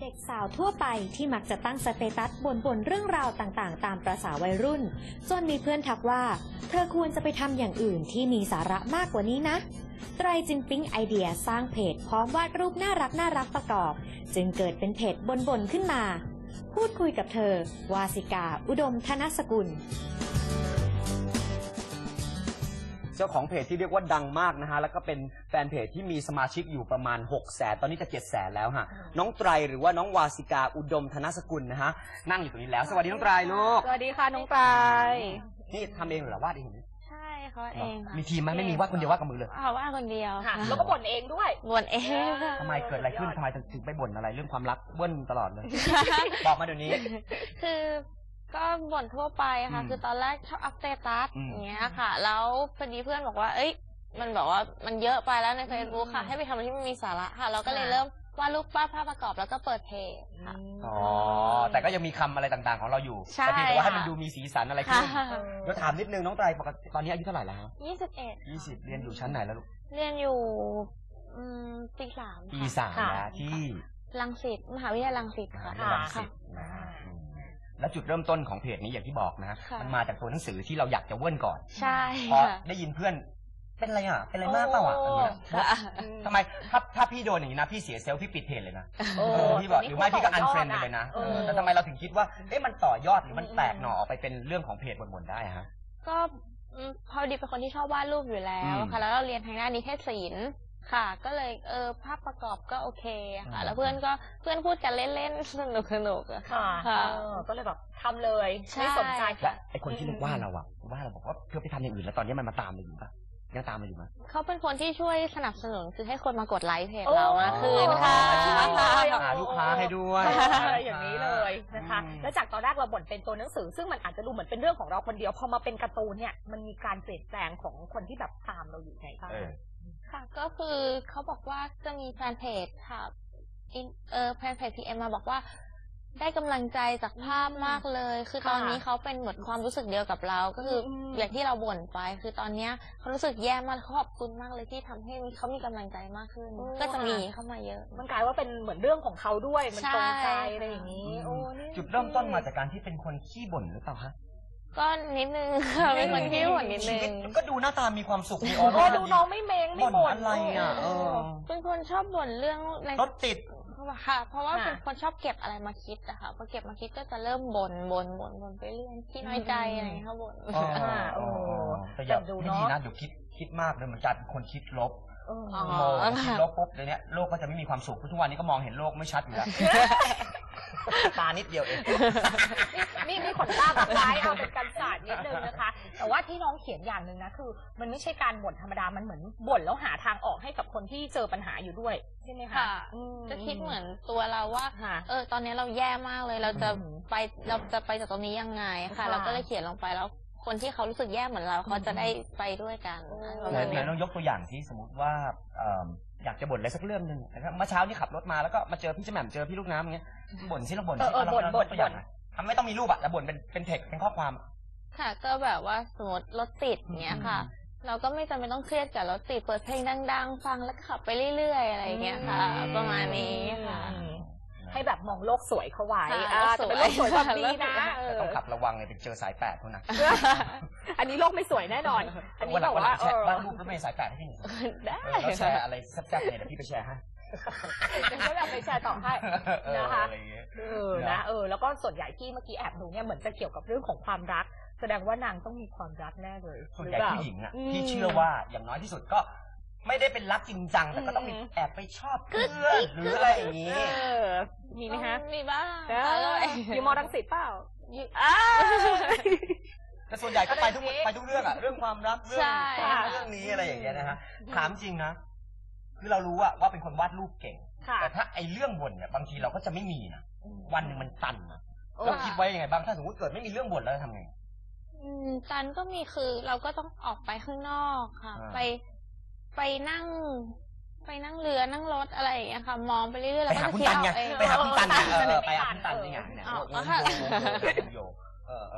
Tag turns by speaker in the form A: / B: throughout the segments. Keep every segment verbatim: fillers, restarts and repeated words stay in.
A: ด็กสาวทั่วไปที่มักจะตั้งสเตตัสบ่นๆเรื่องราวต่างๆตามประสาวัยรุ่นจนมีเพื่อนทักว่าเธอควรจะไปทำอย่างอื่นที่มีสาระมากกว่านี้นะไตรจึงปิ๊งไอเดียสร้างเพจพร้อมวาดรูปน่ารักน่ารักประกอบจึงเกิดเป็นเพจบ่นๆขึ้นมาพูดคุยกับเธอวาสิกาอุดมธนสกุล
B: เจ้าของเพจที่เรียกว่าดังมากนะฮะแล้วก็เป็นแฟนเพจที่มีสมาชิกอยู่ประมาณหกแสนตอนนี้จะเจ็ดแสนแล้วฮะน้องไตรหรือว่าน้องวาสิกาอุดมธนสกุลนะฮะนั่งอยู่ตรงนี้แล้วสวัสดีน้องไตรลูก
C: สวัสดีค่ะน้องไตร
B: นี่ทำเองหรือวาดเอง
C: ใช่เขาเอง
B: มีทีมไหมไม่มีวาดคนเดียววาดกับมือเลย
C: ค่ะวาดคนเดียว
D: ค่ะแล้วก็บ่นเองด้วย
C: บ่นเอง
B: ทำไมเกิดอะไรขึ้นทำไมถึงไปบ่นอะไรเรื่องความรักเบิ้ลตลอดเลยบอกมาเดี๋ยวนี้
C: คือก็บ่นทั่วไปค่ะคือตอนแรกชอบอัพสเตตัสอย่างเงี้ยค่ะแล้วพอดีเพื่อนบอกว่าเอ้ยมันบอกว่ามันเยอะไปแล้วใน Facebook ค่ะให้ไปทำอะไรที่มันมีสาระค่ะเราก็เลยเริ่มวาดรูปวาดภาพประกอบแล้วก็เปิดเพจค่ะ
B: อ๋อแต่ก็ยังมีคำอะไรต่างๆของเราอยู่แต่เพียงแต่ว่าให้มันดูมีสีสันอะไรขึ้นเดี๋ยวถามนิดนึงน้องไตรปกติตอนนี้อายุเท่าไหร่แล้ว
C: ยี่สิบเอ็ด
B: ยี่สิบเรียนอยู่ชั้นไหนแล้วลูก
C: เรียนอยู่ปีสาม
B: ปีสามนะที่
C: รังสิตมหาวิทยาลัยรังสิตค่ะ
B: รังสิตนะแล้วจุดเริ่มต้นของเพจนี้อย่างที่บอกนะมันมาจากตัวหนังสือที่เราอยากจะเว้นก่อน
C: ใช่
B: พอได้ยินเพื่อนเป็นอะไรอ่ะเป็นอะไรมากเปล่าอ่ะทำไมถ้าถ้าพี่โดนอย่างนี้นะพี่เสียเซลล์พี่ปิดเพจเลยนะพี่บอกหรือไม่พี่ก็อันเฟรนด์ไปเลยนะแต่ทำไมเราถึงคิดว่าเอ๊ะมันต่อยอดหรือมันแตกหน่อออกไปเป็นเรื่องของเพจบ่นๆได้ฮะ
C: ก็พอดีเป็นคนที่ชอบวาดรูปอยู่แล้วค่ะแล้วเราเรียนทางด้านนิเทศศิลป์ค่ะก็เลยเออภาพประกอบก็โอเคค่ะแล้วเพื่อนก็เพื่อนพูดกันเล่นๆสนุกสนุกอะ
D: ค่ะก็เลยแบบทำเลยไม่สนใจ
B: และไอคนที่ว่าเราอะว่าเราบอกว่าเธอไปทำอย่างอื่นแล้วตอนนี้มันมาตามเราอยู่ปะยังตามมาอยู่ไหม
C: เขาเป็นคนที่ช่วยสนับสนุนคือให้คนมากดไลค์เพจเรามากขึ้นค่ะ
B: หาลูกค้าให้ด้วย
D: อย่างนี้เลยนะคะแล้วจากตอนแรกเราบ่นเป็นตัวหนังสือซึ่งมันอาจจะดูเหมือนเป็นเรื่องของเราคนเดียวพอมาเป็นการ์ตูนเนี่ยมันมีการเปลี่ยนแปลงของคนที่แบบตามเราอยู่ไงบ้าง
C: ค่ะก็คือเขาบอกว่าจะมีแฟนเพจค่ะเออแฟนเพจพีเอ็มมาบอกว่าได้กำลังใจจากภาพมากเลยคือตอนนี้เขาเป็นเหมือนความรู้สึกเดียวกับเราก็คืออย่างที่เราบ่นไปคือตอนเนี้ยเขารู้สึกแย่มากเขาขอบคุณมากเลยที่ทำให้เขามีกำลังใจมากขึ้นก็จะมีเข้ามาเยอะ
D: มันกลายว่าเป็นเหมือนเรื่องของเขาด้วยมันตรงใจอะไรอย่างนี้
B: จุดเริ่มต้นมาจากการที่เป็นคนขี้บ่นหรือเปล่าฮะ
C: ก็นิดนึงค่ะเป็นคนขี้บ่นนิดนึง
B: ก็ดูหน้าตามีความสุขมีอ
D: อร่าดูน้องไม่เมงไม่บ่น
B: อะไรอ่ะ
C: เป็นคนชอบบ่นเรื่อง
B: รถติด
C: ค่ะเพราะว่าเป็นคนชอบเก็บอะไรมาคิดอะค่ะพอเก็บมาคิดก็จะเริ่มบ่นบ่นบ่นบ่นไปเรื่อยที่น้อยใจอะไรอย่างเงี้ยเขาบ่น
B: แต่อย่าดูไม่ดีนะเดี๋ยวคิดคิดมากเลยเหมือนกันคนคิดลบโมคิดลบปุ๊บเดี๋ยวนี้โลกก็จะไม่มีความสุขทุกวันนี้ก็มองเห็นโลกไม่ชัดอยู่แล้วตานิดเดียวเอง
D: นี่นี่ขนตาบางร้ายเอาเป็นการศาสตร์นิดนึงนะคะแต่ว่าที่น้องเขียนอย่างหนึ่งนะคือมันไม่ใช่การบ่นธรรมดามันเหมือนบ่นแล้วหาทางออกให้กับคนที่เจอปัญหาอยู่ด้วยใช่ไหมคะ
C: จะคิดเหมือนตัวเราว่าเออตอนนี้เราแย่มากเลยเราจะไปเราจะไปจากตรงนี้ยังไงค่ะเราก็เลยเขียนลงไปแล้วคนที่เขารู้สึกแย่เหมือนเราเขาจะได้ไปด้วยกัน
B: แล้วน้องยกตัวอย่างที่สมมติว่าอยากจะบ่นอะไรสักเรื่องหนึ่งนะครับเมื่อเช้านี่ขับรถมาแล้วก็มาเจอพี่แหม่มเจอพี่ลูกน้ำอย่างเงี้ยบ่นที่เราบ่นที่เราบ่นบ่นตัวอย่างทำไม่ต้องมีรูปอะแต่บ่นเป็นเป็นเทคเป็นข้อความ
C: ค่ะก็แบบว่าสมมติรถติดเงี้ยค่ะเราก็ไม่จำเป็นต้องเครียดกับรถติดเปิดเพลงดังๆฟังแล้วขับไปเรื่อยๆอะไรเงี้ยค่ะประมาณนี้ค่ะ
D: ให้แบบมองโลกสวยเข้าไว้จะเป็นโลกสวยความดีนะ
B: ต้องขับระวังเลยไปเจอสายแปดเท่านั้น
D: อันนี้โลกไม่สวยแน่นอนอันนี้บอกว่า
B: แชร์บ้านรูปรถเมล์สายแปดให้พี่หนึ่งได้แล้วแชร์อะไรแซ่บๆเนี่ยเดี๋ยวพี่ไปแชร์ให้
D: เดี๋ยวก็แบบไปแชร์ต่อให้นะคะเออนะเออแล้วก็ส่วนใหญ่ที่เมื่อกี้แอบดูเนี่ยเหมือนจะเกี่ยวกับเรื่องของความรักแสดงว่านางต้องมีความรักแน่เลย
B: ส่วนใหญ่ผู้หญิงอ่ะที่เชื่อว่าอย่างน้อยที่สุดก็ไม่ได้เป็นรักจริงจังแต่ก็ต้องมีแอบไปชอบเพื่อนหรืออะไรอย่างนี้
D: มีไหมฮะ
C: มีบ้าง
D: อยู่มอรังสิตเปล่า
B: แต่ส่วนใหญ่ก็ไปทุกไปทุกเรื่องอะเรื่องความรักเรื่องเรื่องนี้อะไรอย่างเงี้ยนะฮะถามจริงนะคือเรารู้ว่าว่าเป็นคนวาดรูปเก่งแต่ถ้าไอ้เรื่องบ่นเนี่ยบางทีเราก็จะไม่มีนะวันหนึ่งมันตันนะเราคิดไว้ยังไงบ้างถ้าสมมติเกิดไม่มีเรื่องบ่นแล้วจะทำไง
C: ตันก็มีคือเราก็ต้องออกไปข้างนอกค่ะไปไปนั่งไปนั่งเรือนั่งรถอะไรอย่างเงี้ยค่ะมองไปเรื่อยๆแล้วก็
B: คิดเอาเองไปหาคุณตันไงไปหาคุณตันนี่ไงเนี่ยโยเออเออ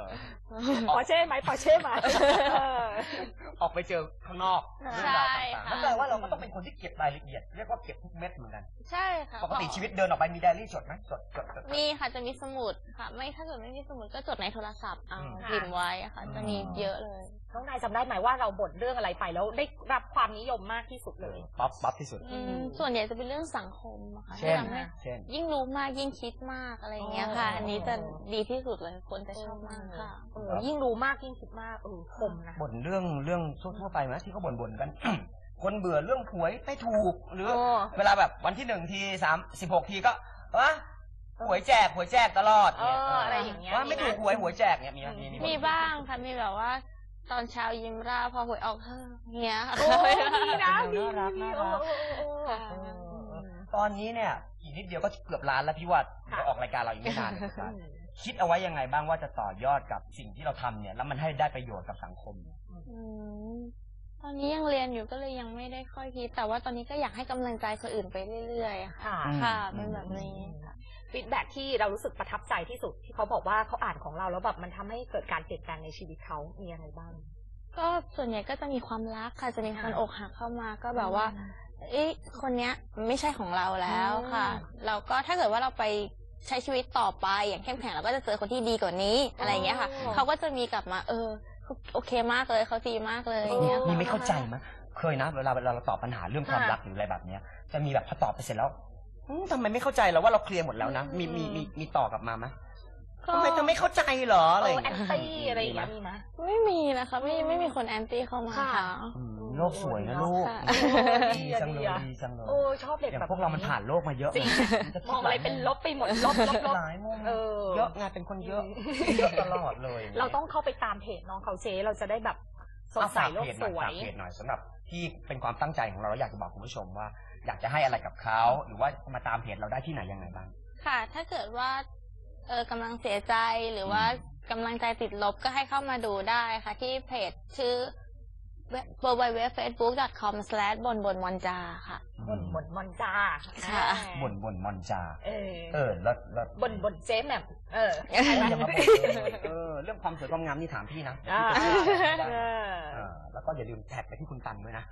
D: ปอร์เช่ไหมปอร์เช่ไหมเออ
B: ออกไปเจอข้างนอกเรื่องราวต่างๆนั่นแปลว่าเราก็ต้องเป็นคนที่เก็บรายละเอียดเรียกว่าเก็บทุกเม็ดเหมือนกัน
C: ใช่ค่ะ
B: ปกติชีวิตเดินออกไปมีไดอารี่จดไหมจดจดจด
C: มีค่ะจะมีสมุดค่ะ ไม่ถ้าเกิดไม่มีสมุดก็จดในโทรศัพท์
D: อืม
C: พิมพ์ไว้อะค่ะ จะมีเยอะเลย
D: น้องนายจำได้ไหมว่าเราบ่นเรื่องอะไรไปแล้วได้รับความนิยมมากที่สุดเลย
B: ป๊อปป๊อปที่สุด
C: อืมส่วนใหญ่จะเป็นเรื่องสังคมอะค่ะ
B: เช่น
C: ที่ทำให้
B: เช่น
C: ยิ่งรู้มากยิ่งคิดมากอะไรอย่างเงี้ยค่ะ
D: อ๋ออั
C: อันนี้จะดีที่สุดเลยคนจะชอบมากค่ะ
D: เออยิ่งรู้มากยิ่งคิดมากเออคมนะ
B: บ่นเรื่องเรื่องทั่วๆไปไหมที่เขาบ่นๆกัน คนเบื่อเรื่องหวยไม่ถูกหรือ
D: โอ้
B: เวลาแบบวันที่หนึ่งทีสามสิบหกทีก็วะหวยแจกหวยแจกตลอด
D: เอ
B: เนี่ย
D: ออะไรอย่างเงี้ย
B: ว่าไม่ถูกหวยหวยแจกเนี่ยมีไหมมีไห
C: มีบ้างค่ะ มีแบบว่า ตอนเช้ายิ้มร่าพอหวยออกเฮ้อเงี้ยค่ะ
D: โอ้ดีนะดี
B: น่ารัก
D: ดี
B: น่ารัก
D: โอ้โอ้โอ้
C: ค่ะ
B: ตอนนี้เนี่ยอีกนิดเดียวก็เกือบล้านแล้วพี่วัด
D: ค่ะ
B: จะออกรายการเราอีกไม่นานเลยครับคิดเอาไว้ยังไงบ้างว่าจะต่อยอดกับสิ่งที่เราทำเนี่ยแล้วมันให้ได้ประโยชน์กับสังคมเนี่ย
C: อืมตอนนี้ยังเรียนอยู่ก็เลยยังไม่ได้ค่อยคิด แต่ว่าตอนนี้ก็อยากให้กำลังใจคนอื่นไปเรื่อยๆอะค่ะ
D: ค่ะ
C: ค่ะ เป็นแบบนี้ค่ะ
D: ฟีดแบ็กที่เรารู้สึกประทับใจที่สุดที่เขาบอกว่าเขาอ่านของเราแล้วแบบมันทำให้เกิดการเปลี่ยนแปลงในชีวิตเขามีอะไรบ้าง
C: ก็ส่วนใหญ่ก็จะมีความรักค่ะ จะมีคน
D: ค่ะ
C: อกหักเข้ามาก็แบบว่า เอ๊ะคนเนี้ยไม่ใช่ของเราแล้วค่ะ
D: อืม
C: เราก็ถ้าเกิดว่าเราไปใช้ชีวิตต่อไปอย่างเข้มแข็งเราก็จะเจอคนที่ดีกว่านี้อะไรอย่างเงี้ยค่ะ
D: อ๋อ
C: เขาก็จะมีกลับมา เออเขาโอเคมากเลยเขาดีมากเลยอย่างเงี้ย
B: มี
C: ค่ะ
B: ไม่เข้าใจไหมเคยนะเวลาเวลาเราตอบปัญหาเรื่องความ
D: ค่ะ
B: รักหรืออะไรแบบเนี้ยจะมีแบบพอตอบไปเสร็จแล้วอืมทำไมไม่เข้าใจเราว่าเราเคลียร์หมดแล้วนะมีมีมีมีต่อกลับมาไหม
C: ก็
B: ทำไมเธอไม่เข้าใจเหรออะไร
D: เอ
B: อ
D: อย่าง แอ
B: เงี้ย
D: นตี้อะไรอย่างเงี้ยมีไหม
C: ไม่มีนะคะไม่ไม่มีคนแอนตี้เข้ามา
D: ค่ะ
C: ค่ะ
B: อืมโลกสวยนะลูก
C: ค่ะ
B: ดีจังเลยดีจังเลย
D: โอ้ชอบเด็ก
B: อย่าง
D: แบบ
B: พวกเรามันผ่านโลกมาเยอะ
D: จริง
B: มันจะคิ
D: ม
B: ด
D: องอะไรเป็นลบไปหมดลบลบลบ
B: หลายมุม
D: เออ
B: เยอะไงเป็นคนเยอะเยอะตลอดเลย
D: เราต้องเข้าไปตามเพจน้องเขาเจ๊เราจะได้แบบสด
B: เอา
D: ใส
B: ฝาก
D: โลก
B: เพจห
D: ส
B: น่อยว ฝาก
D: ย
B: เพจหน่อยสำหรับที่เป็นความตั้งใจของเราแล้วอยากจะบอกคุณผู้ชมว่า อยากจะให้อะไรกับเขาหรือว่ามาตามเพจเราได้ที่ไหนยังไงบ้าง
C: ค่ะ ถ้าเกิดว่าเออกำลังเสียใจหรือว่ากำลังใจติดลบก็ให้เข้ามาดูได้ค่ะ ที่เพจชื่อ ดับเบิลยู ดับเบิลยู ดับเบิลยู ดอท เฟซบุ๊ก ดอท คอม สแลช บนบนมอนจาค่ะ
D: บ่นบ่นมอนจา
C: ค่ะ
B: บ่นบ่นมอนจา
D: เออ
B: เออแล้วแล้ว
D: บ่นบ่นเจ๊แหม่มเออ
B: เอออย่ามาบ่นเลยเออเรื่องความสวยความงามนี่ถามพี่นะ
D: อ่า
B: พี่จะช่วยได้
D: เออ
B: เออแล้วก็อย่าลืมแท็กไปที่คุณตันด้วยนะ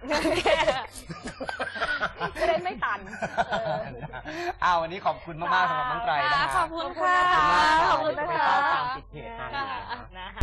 D: จะได้ไม่ตันเออ
B: อ้าววันนี้ขอบคุณมากๆสำหรับน้องไตรนะ
C: ค่ะ
B: ฮะ
C: ขอบคุณค่ะ
B: ขอบคุณมาก
D: ขอบคุณ
B: เดี๋ยว
D: นะ
B: จะไป
D: คะ
B: เฝ้าตามติดเพจตามอยู่นะ
D: นะคะ